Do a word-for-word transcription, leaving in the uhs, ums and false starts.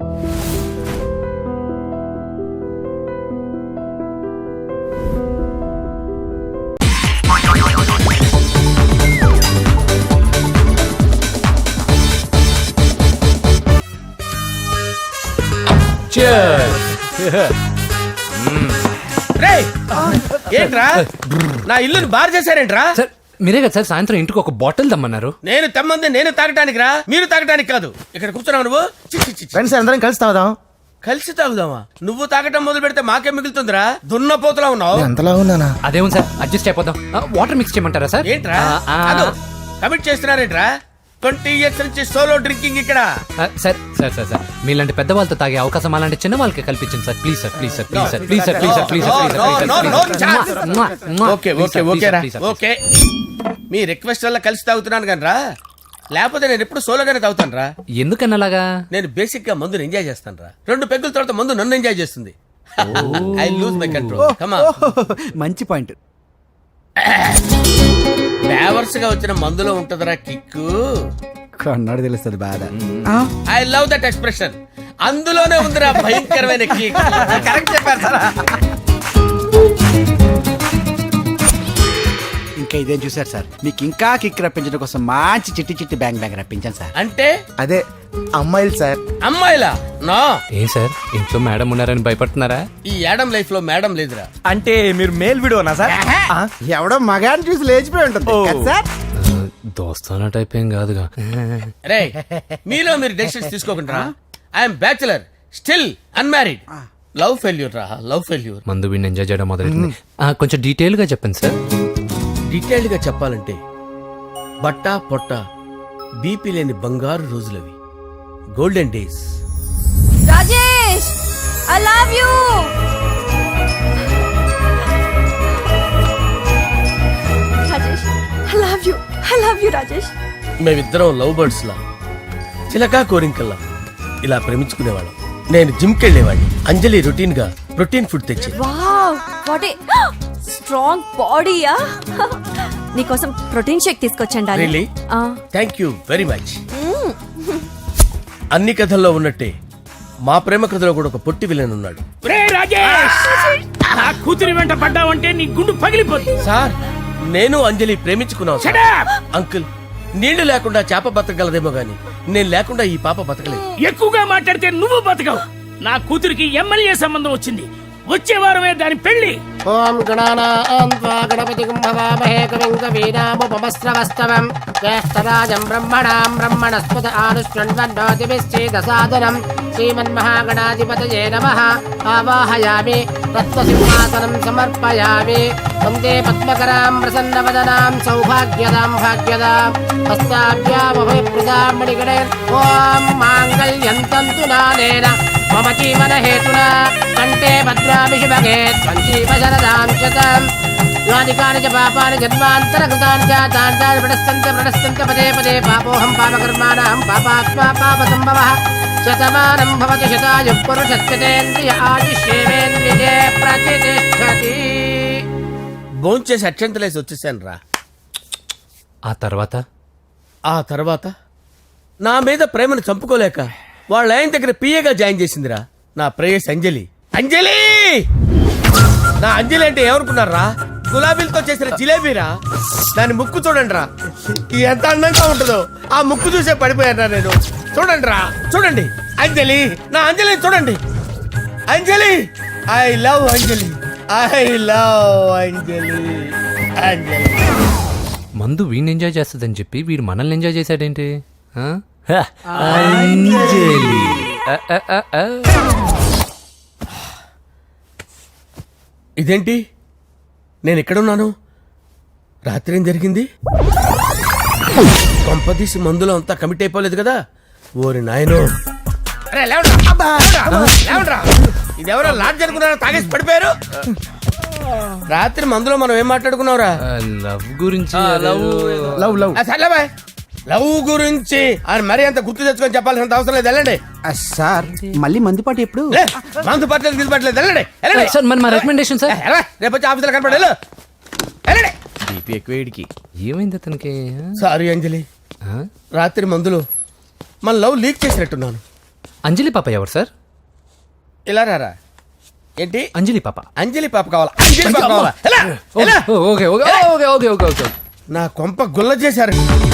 ఏంట్రా నా ఇల్లుని బార్ చేశారేంట్రా? మీరే కదా సార్ సాయంత్రం ఇంటికి ఒక బాటిల్ దమ్మన్నారు. నేను తెమ్మంది నేను తాగటానికి రా, మీరు తాగటానికి కాదు. ఇక్కడ కూర్చున్నావు నువ్వు. ఫ్రెండ్స్ అందరం కలిసి తాగుదాం. కలిసి తాగుదామా? నువ్వు తాగటం మొదలు పెడితే మాకే మిగులుతుందిరా. దున్నపోతులా ఉన్నావు. ఎంతలా ఉన్నానా? అదేమో సార్ అడ్జస్ట్ అయిపోదాం. వాటర్ మిక్స్ చేయమంటారా సార్? ఏంట్రా కమిట్ చేస్తున్నారేంట్రా? ట్వంటీ ఇయర్స్ నుంచి సోలో డ్రింకింగ్ ఇక్కడ. సార్ సార్ సార్ సార్ మీలాంటి పెద్ద వాళ్ళతో తాగే అవకాశం అలాంటి చిన్న వాళ్ళకి కల్పించండి sir. Please sir please sir please sir please sir please sir please sir okay okay okay రా ఓకే. మీ రిక్వెస్ట్ వల్ల కలిసి తాగుతున్నాను కానీ రా, లేకపోతే నేను ఎప్పుడు సోలోగానే తాగుతాను రా. ఎందుకన్నా అలాగా? నేను బేసిక్ గా మందుని ఎంజాయ్ చేస్తాను రా. రెండు పెగ్గుల తర్వాత మందు నన్ను ఎంజాయ్ చేస్తుంది. I lose my control. Come on. మంచి పాయింట్. ఫ్లేవర్స్ గా వచ్చిన మందులో ఉంటదరా కిక్కు. కన్నాడు తెలుస్తుంది బాధ. I love that expression. అందులోనే ఉందిరా భయంకరమైన కిక్. కరెక్ట్ చెప్పారు సార్. ఇంకా ఇదేం చూసారు సార్, మీకు ఇంకా కిక్ రప్పించడం కోసం మంచి చిట్టి చిట్టి బ్యాంగ్ బ్యాంగ్ రప్పించాను సార్. అంటే అదే అమ్మాయిలు సార్. అమ్మాయిలా? నా ఏం సార్ ఇంట్లో మేడం ఉన్నారని భయపడుతున్నారా? ఈ యాడమ్ లైఫ్ లో మేడం లేదురా. అంటే మీరు మేల్ వీడియోనా సార్? ఎవడో మగాన్ని చూసి లేచిపోయి ఉంటుంది సార్. దోస్తానా టైప్ ఏం కాదుగా. రే మీలో మీరు డెసిషన్స్ తీసుకోకుండా. I'm bachelor still unmarried. Love failure రా, లవ్ ఫెయిల్యూర్. మందు వీడిని ఎంజాయ్ చేయడం మొదలైంది. కొంచెం డీటెయిల్ గా చెప్పండి సార్. డీటెయిల్డ్ గా చెప్పాలంటే బట్టా పొట్ట బీపీ లేని బంగారు రోజులవి, golden days. Rajesh I love you. Rajesh I love you. I love you Rajesh. మేమిద్దరం లవ్ బర్డ్స్ లా, చిలకా కోరింకల్లా ఇలా ప్రేమించుకునేవాళ్ళం. నేను జిమ్ కెళ్ళేవాడిని. అంజలి రొటీన్ గా ప్రోటీన్ ఫుడ్ తెచ్చి. వావ్ వాట్ ఏ స్ట్రాంగ్ బాడీయా. నీకోసం ప్రోటీన్ షేక్ తీసుకొచ్చండి. Really? Thank you very much. అన్ని కథల్లో ఉన్నట్టే మా ప్రేమ కథలో కూడా ఒక పొట్టి విలన్ ఉన్నాడు. నా కూతురి వెంట పడ్డావంటే నీ గుండు పగిలిపోతుంది. సార్ నేను అంజలి ప్రేమించుకున్నాను. అంకుల్ నీళ్లు లేకుండా చేప బతకగలదేమో గాని నేను లేకుండా ఈ పాప బతకలేదు. ఎక్కువగా మాట్లాడితే నువ్వు బతకవు. నా కూతురికి ఎమ్మెల్యే సంబంధం వచ్చింది. వచ్చే వారమే దాని పెళ్లి. ఓం గణపతి కవినాముపమస్రవస్తవం జ్యేష్ఠరాజం బ్రహ్మణాం బ్రహ్మణస్పద ఆనుష్ణ్వన్నోతిభిశ్చేదసాదనం శ్రీమన్మహాగణాధిపతయే నమః. ఆవాహయామి తత్వసింహాసనం సమర్పయామి. వందే పద్మకరాం ప్రసన్నవదనాం సౌభాగ్యదాం భాగ్యదాం హస్తాభ్యామభయప్రదాం మణిగణే. ఓం మాంగళ్యం తంతు నానేన మమ జీవన హేతునా కంటే భద్రామి శుభగే త్వంజీవశరదాం శతం. యాని కాని చ పాపాని జన్మాంతరకృతాని చ తాని తాని ప్రణశ్యంత ప్రణశ్యంత పదే పదే పాపోహం పాపకర్మాణం పాపాత్మా పాపసంభవః. శతమానం భవతి శతాయుః పురుషస్యేంద్రియ ఆయుష్యేంద్రియే ప్రతిష్ఠతి. భోంచేసి అక్షంతలేసి వచ్చేసాను రా. ఆ తర్వాత ఆ తర్వాత నా మీద ప్రేమను చంపుకోలేక వాళ్ళ ఆయన దగ్గర పిఏగా జాయిన్ చేసిందిరా నా ప్రేయస్ అంజలి. అంజలి నా అంజలి అంటే ఏమనుకున్నారా? గులాబీలతో చేసిన జిలేబీరా. దాని ముక్కు చూడండి రా, ఎంత అందంగా ఉంటుందో. ఆ ముక్కు చూసే పడిపోయారా నేను. చూడండి రా చూడండి. అంజలి నా అంజలి చూడండి. Anjali I love Anjali. I love Anjali. Anjali మందు వీడిని ఎంజాయ్ చేస్తుందని చెప్పి వీడు మనల్ని ఎంజాయ్ చేశాడేంటి? అంజలి ఇదేంటి నేను ఎక్కడున్నాను? రాత్రి ఏం జరిగింది? కొంపదీసి మందులో అంతా కమిట్ అయిపోలేదు కదా? ఓరి నాయనో. ఇదెవరో లాడ్జ్ అనుకున్నారా? తాగేసి పడిపోయారు. రాత్రి మందులో మనం ఏం మాట్లాడుకున్నావురా? లవ్ గురించి. లవ్ లవ్ లవ్ సర్లే బాయ్. లవ్ గురించి అని మరీ అంత గుర్తు తెచ్చుకొని చెప్పాల్సినంత అవసరం లేదు. వెళ్ళండి సార్. మళ్ళీ మందుపాటి ఎప్పుడు? మందు పట్టలేదు గిల్పట్లేదు. వెళ్ళండి సార్. మరి మా రికమెండేషన్ సార్. రేపు వచ్చి ఆఫీసులో కనపడి వెళ్ళండి. బీపీ ఎక్కువ వేడికి. ఏమైంది అతనికి? సారీ అంజలి, రాత్రి మందులో మన లవ్ లీక్ చేసినట్టున్నాను. అంజలి పాప ఎవరు సార్? ఇలా రారా. ఏంటి? అంజలి పాప. అంజలి పాప కావాలా? అంజలి పాప కావాలా? ఎలా? ఎలా? Okay okay okay okay okay okay నా కొంప గుల్ల చేశారు.